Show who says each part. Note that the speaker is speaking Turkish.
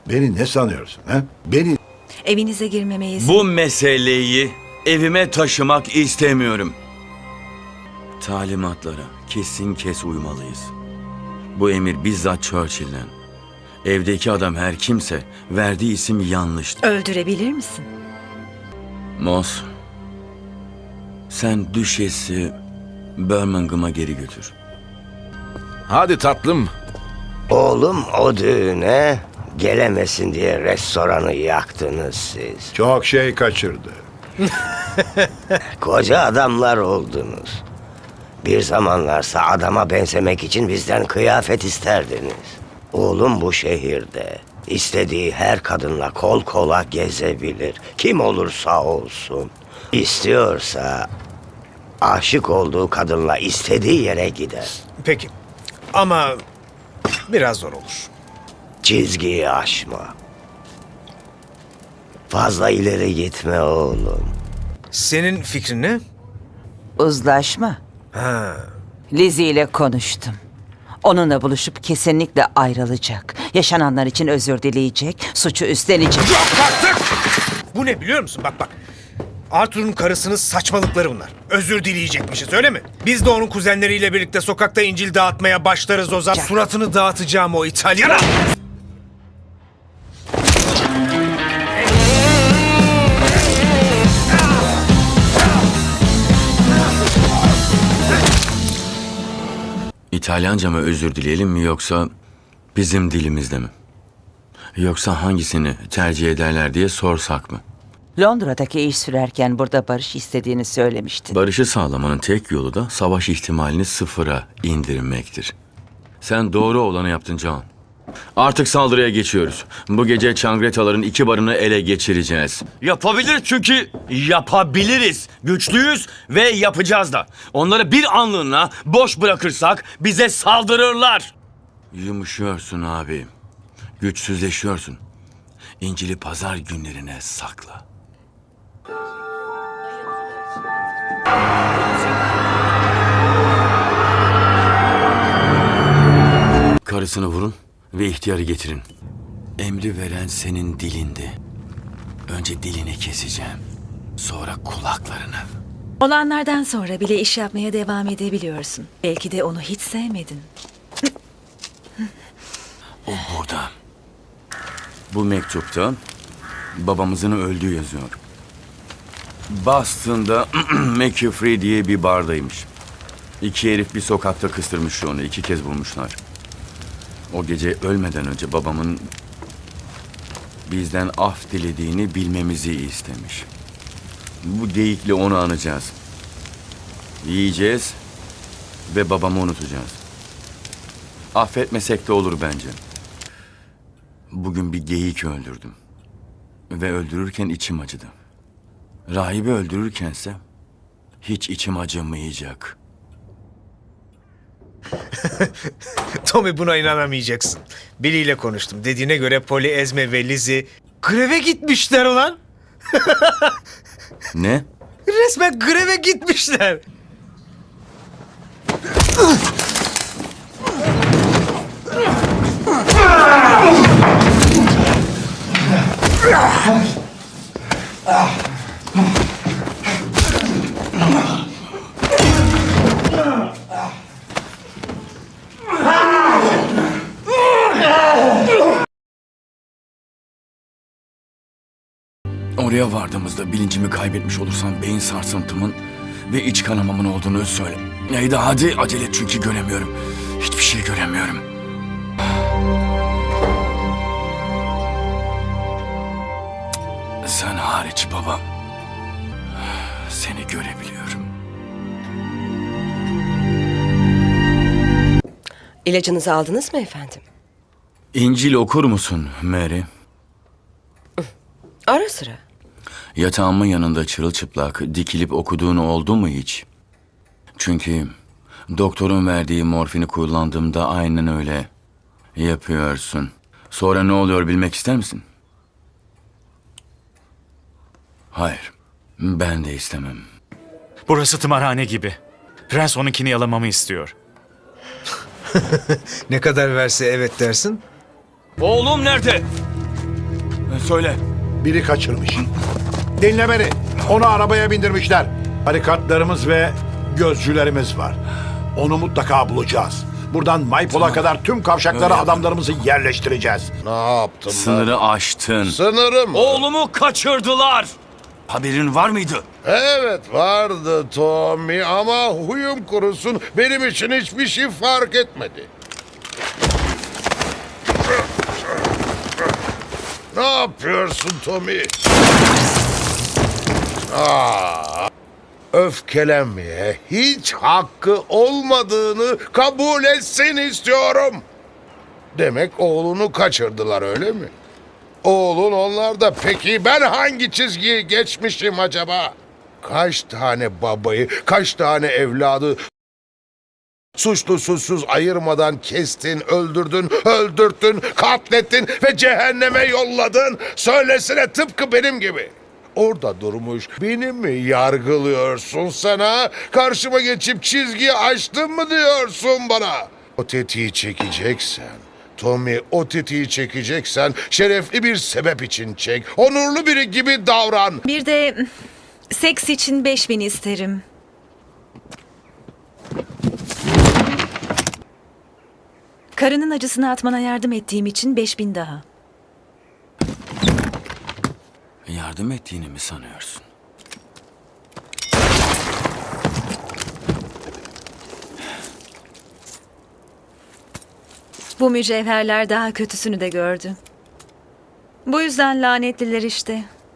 Speaker 1: Beni ne sanıyorsun ha? Beni
Speaker 2: Evinize girmeme izin...
Speaker 3: Bu meseleyi evime taşımak istemiyorum. Talimatlara kesin kes uymalıyız. Bu emir bizzat Churchill'den. Evdeki adam her kimse verdiği isim yanlıştır.
Speaker 2: Öldürebilir misin?
Speaker 3: Moss, sen düşesi Birmingham'a geri götür.
Speaker 4: Hadi tatlım.
Speaker 5: Oğlum o düğüne gelemesin diye restoranı yaktınız siz.
Speaker 1: çok şey kaçırdı.
Speaker 5: Koca adamlar oldunuz. Bir zamanlarsa adama benzemek için bizden kıyafet isterdiniz. Oğlum bu şehirde istediği her kadınla kol kola gezebilir. Kim olursa olsun. İstiyorsa aşık olduğu kadınla istediği yere gider.
Speaker 6: Peki. Ama biraz zor olur.
Speaker 5: Çizgiyi aşma. Fazla ileri gitme oğlum.
Speaker 6: Senin fikrin ne?
Speaker 7: Uzlaşma.
Speaker 6: Ha.
Speaker 7: Lizzie ile konuştum. Onunla buluşup kesinlikle ayrılacak. Yaşananlar için özür dileyecek, suçu üstlenecek.
Speaker 6: Bu ne biliyor musun? Bak. Arthur'un karısının saçmalıkları bunlar. Özür dileyecekmişiz öyle mi? Biz de onun kuzenleriyle birlikte sokakta İncil dağıtmaya başlarız o zaman. Suratını dağıtacağım o İtalyana.
Speaker 3: İtalyanca mı özür dileyelim mi yoksa bizim dilimizde mi? Yoksa hangisini tercih ederler diye sorsak mı?
Speaker 7: Londra'daki iş sürerken burada barış istediğini söylemiştin.
Speaker 3: Barışı sağlamanın tek yolu da savaş ihtimalini sıfıra indirmektir. Sen doğru olanı yaptın John. Artık saldırıya geçiyoruz. Bu gece Çangretaların 2 barını ele geçireceğiz. Yapabiliriz çünkü yapabiliriz. Güçlüyüz ve yapacağız da. Onları bir anlığına boş bırakırsak bize saldırırlar. Yumuşuyorsun abi. Güçsüzleşiyorsun. İncil'i pazar günlerine sakla. Karısını vurun ve ihtiyarı getirin. Emri veren senin dilindi. Önce dilini keseceğim. Sonra kulaklarını.
Speaker 2: Olanlardan sonra bile iş yapmaya devam edebiliyorsun. Belki de onu hiç sevmedin.
Speaker 3: O burada. Bu mektupta babamızın öldüğü yazıyor. Boston'da McCaffrey diye bir bardaymış. 2 herif bir sokakta kıstırmış onu. 2 kez vurmuşlar. O gece ölmeden önce babamın bizden af dilediğini bilmemizi istemiş. Bu geyikle onu anacağız. Yiyeceğiz ve babamı unutacağız. Affetmesek de olur bence. Bugün bir geyik öldürdüm. Ve öldürürken içim acıdı. Rahibi öldürürkense hiç içim acımayacak.
Speaker 6: Tommy buna inanamayacaksın. Billy ile konuştum. Dediğine göre Polly, Esme ve Lizzie greve gitmişler ulan.
Speaker 3: Ne?
Speaker 6: Resmen greve gitmişler.
Speaker 3: Oraya vardığımızda bilincimi kaybetmiş olursam beyin sarsıntımın ve iç kanamamın olduğunu söyle. Neydi hadi acele et çünkü göremiyorum. Hiçbir şey göremiyorum. Sen hariç babam. Seni görebiliyorum.
Speaker 8: İlacınızı aldınız mı efendim?
Speaker 3: İncil okur musun Mary?
Speaker 8: Ara sıra.
Speaker 3: Yatağımın yanında çırılçıplak dikilip okuduğun oldu mu hiç? Çünkü doktorun verdiği morfini kullandığımda aynen öyle yapıyorsun. Sonra ne oluyor bilmek ister misin? Hayır, ben de istemem.
Speaker 9: Burası tımarhane gibi. Prens onunkini yalamamı istiyor.
Speaker 6: Ne kadar verse evet dersin?
Speaker 3: Oğlum nerede? Söyle.
Speaker 1: Biri kaçırmış. Dinle beni. Onu arabaya bindirmişler. Barikatlarımız ve gözcülerimiz var. Onu mutlaka bulacağız. Buradan Maypol'a kadar tüm kavşaklara adamlarımızı yerleştireceğiz.
Speaker 10: Ne yaptım ben?
Speaker 3: Sınırı aştın.
Speaker 10: Sınırı mı?
Speaker 3: Oğlumu kaçırdılar. Haberin var mıydı?
Speaker 10: Evet vardı Tommy ama huyum kurusun benim için hiçbir şey fark etmedi. Ne yapıyorsun Tommy? Öfkelenmeye hiç hakkı olmadığını kabul etsin istiyorum. Demek oğlunu kaçırdılar öyle mi? Oğlun onlarda. Peki ben hangi çizgiyi geçmişim acaba? Kaç tane babayı, kaç tane evladı suçlu suçsuz ayırmadan kestin, öldürdün, öldürttün, katlettin ve cehenneme yolladın. Söylesene tıpkı benim gibi. Orada durmuş beni mi yargılıyorsun sana? Karşıma geçip çizgiyi aştın mı diyorsun bana? O tetiği çekeceksen, Tommy o tetiği çekeceksen şerefli bir sebep için çek. Onurlu biri gibi davran.
Speaker 2: Bir de seks için 5.000 isterim. Karının acısını atmana yardım ettiğim için 5.000 daha.
Speaker 3: Yardım ettiğini mi sanıyorsun?
Speaker 2: Bu mücevherler daha kötüsünü de gördü. Bu yüzden lanetliler işte.